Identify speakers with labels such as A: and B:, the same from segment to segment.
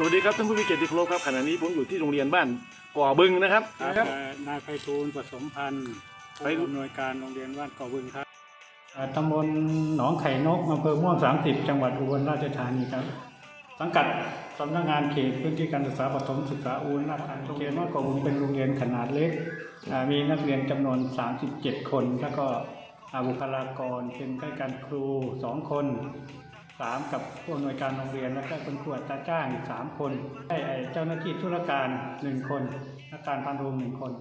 A: วัสดีครับท่านผู้มีเกียรติที่เคารพครับขณะนี้ผมอยู่ที่โรงเรียนบ้านก่อบึงนะครับ
B: นายไพฑูรย์ผสมพันธ์ผู้อำนวยการโรงเรียนบ้านก่อบึงครับตำบลหนองไข่นกอำเภอม่วง30จังหวัดอุบลราชธานีครับสังกัดสำนักงานเขตพื้นที่การศึกษาประถมศึกษาอุบลราชธานีโรงเรียนบ้านก่อบึงเป็นโรงเรียนขนาดเล็กมีนักเรียนจำนวน37คนแล้วก็บุคลากรเป็นข้าราชการครู2คน3กับผู้อำนวยการโรงเรียนแล้วก็คนครูอัตราจ้าง3คนได้เจ้าหน้าที่ธุรการ1คนนักการพันโรง1คน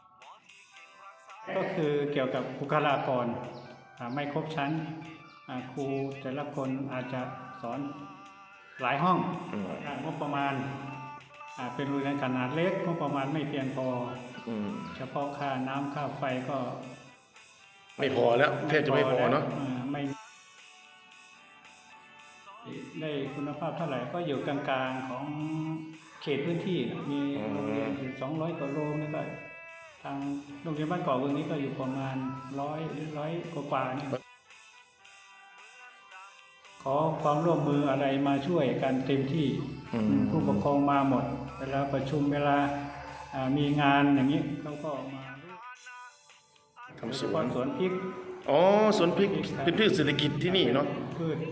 B: ก็คือเกี่ยวกับบุคลากรไม่ครบชั้นครูแต่ละคนอาจจะสอนหลายห้องงบประมาณเป็นโรงเรียนขนาดเล็กงบประมาณไม่เพียงพอเฉพาะค่าน้ำค่าไฟก็
A: ไม่พอแล้วแทบจะไม่พอเนาะ
B: ไม่ได้คุณภาพเท่าไหร่ก็อยู่กลางๆของเขตพื้นที่มีโรงเรียนอยู่200 กว่าโรงแล้วก็ทางโรงเรียนบ้านก่อบึงนี้ก็อยู่ประมาณ100 กว่าเนี่ยขอความร่วมมืออะไรมาช่วยกันเต็มที่ผู้ปกครองมาหมดเวลาประชุมเวลามีงานอย่างนี้เขาก็มา
A: ทำส
B: วนพริก
A: อ๋อสวนพริกเป็นพืชเศรษฐกิจที่นี่เนาะ
B: พืช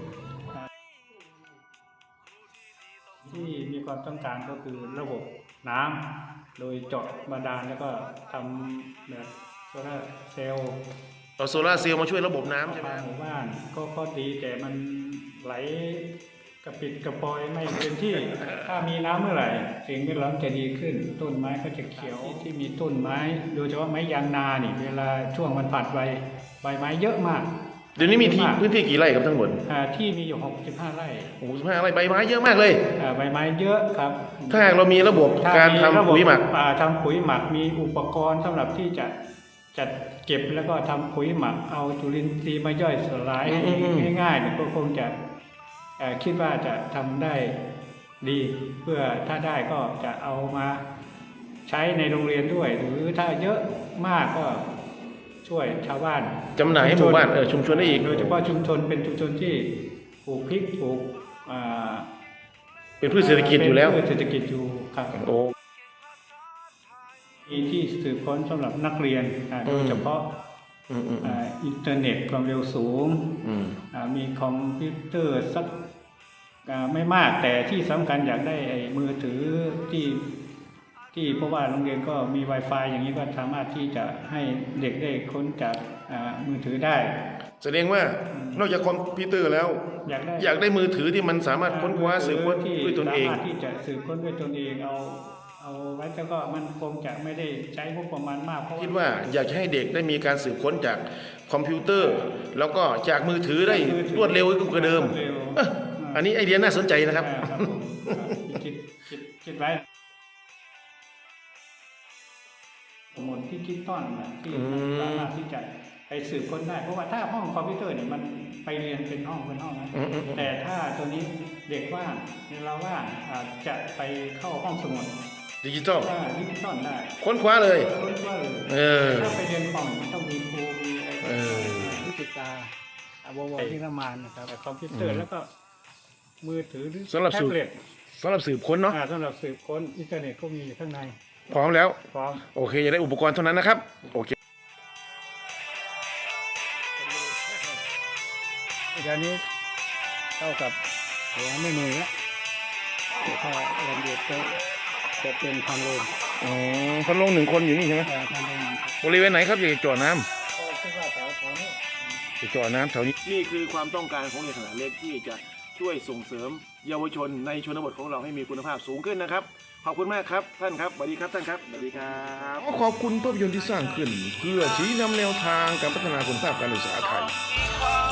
B: ที่มีความต้องการก็คือระบบน้ำโดยเจาะบาดาลแล้วก็ทำแบบโซลาร์เซลล์
A: เอาโซลาร์เซลล์มาช่วยระบบน้ำใช่ไหม
B: หมู่บ้านก็ดีแต่มันไหลกระปิดกระปอยไม่เต็มที่ถ้ามีน้ำเมื่อไหร่สิ่งแวดล้อมจะดีขึ้นต้นไม้ก็จะเขียวที่มีต้นไม้โดยเฉพาะไม้ยางนานี่เวลาช่วงมันผลัดใบไม้เยอะมาก
A: เดี๋ยวนี้มีพื้นที่กี่ไร่ครับทั้งหมด
B: ที่มีอยู่65 ไร่
A: 65 ไร่ใบไม้เยอะมากเลย
B: ใบไม้เยอะครับ
A: ถ้าหากเรามีระบบการทำปุ๋ยหมัก
B: ทำปุ๋ยหมักมีอุปกรณ์สำหรับที่จะจัดเก็บแล้วก็ทำปุ๋ยหมักเอาจุลินทรีย์มาย่อยสลายง่ายๆเนี่ยก็คงจะคิดว่าจะทำได้ดีเพื่อถ้าได้ก็จะเอามาใช้ในโรงเรียนด้วยหรือถ้าเยอะมากก็ช่วยชาวบ้าน
A: จำหน่ายให้หมู่บ้านชุมชนได้อีก
B: โดยเฉพาะชุมชนเป็นชุมชนที่ปลูกพริกปลูก
A: เป็นพืชเศรษฐกิจอยู่แล้ว
B: เศรษฐกิจอยู่ครับมีที่สืบค้นสำหรับนักเรียนโดยเฉพาะอินเทอร์เน็ตความเร็วสูงมีคอมพิวเตอร์สักไม่มากแต่ที่สำคัญอยากได้มือถือที่เพราะว่าโรงเรียนก็มี Wi-Fi อย่างนี้ก็สามารถที่จะให้เด็กได้ค้นจากมือถือได้
A: แสดงว่านอกจากคอมพิวเตอร์แล้วอยากได้มือถือที่มันสามารถค้นคว้าสืบค้นด้วยตนเอง
B: สามารถที่จะสืบค้นด้วยตนเองเอาไว้แล้วก็มันคงจะไม่ได้ใช้งบประมาณมากเพราะ
A: คิดว่าอยากให้เด็กได้มีการสืบค้นจากคอมพิวเตอร์แล้วก็จากมือถือได้รวดเร็วกว่าเดิมอันนี้ไอเดียน่าสนใจนะครับ
B: คิดไว้สมุดที่คิดต้อนที่สามารถที่จะไปสืบค้นได้เพราะว่าถ้าห้องคอมพิวเตอร์เนี่ยมันไปเรียนเป็นห้องนะแต่ถ้าตัวนี้เด็กว่างเราว่างจะไปเข้าห้องสมุด
A: ดิจิตอล
B: ได้
A: ค้นคว้าเลย
B: ถ้าไปเรียนคอมมันต้องมีครูมีอะไรวิจิตรวงที่ละมานนะครับคอมพิวเตอร์แล้วก็มือถือหรือแท็บเล็ต
A: สำหรับสืบค้นเนาะ
B: สำหรับสืบค้นอินเทอร์เน็ตก็มีข้างใน
A: พร้อมแล้ว
B: พร้อม
A: โอเคจะได้อุปกรณ์เท่านั้นนะครับโอเค
B: เดี๋ยวนี้เท่ากับหัวไม่มือแล้วถ้าเรียนเด็กจะเป็นพันโล
A: พันโล1 คนอยู่นี่ใช่ไหมบริเวณไหนครับอยากจะจ่อน้
B: ำคิดว่าแถวนี้
A: จะจ่อน้ำแถวนี้นี่คือความต้องการของเด็กขนาดเล็กที่จะช่วยส่งเสริมเยาวชนในชนบทของเราให้มีคุณภาพสูงขึ้นนะครับขอบคุณมากครับท่านครับสวัสดีครับท่านครับสวัสดีครับขอบคุณภาพยนตร์ที่สร้างขึ้นเพื่อชี้นำแนวทางการพัฒนาคุณภาพการศึกษาไทย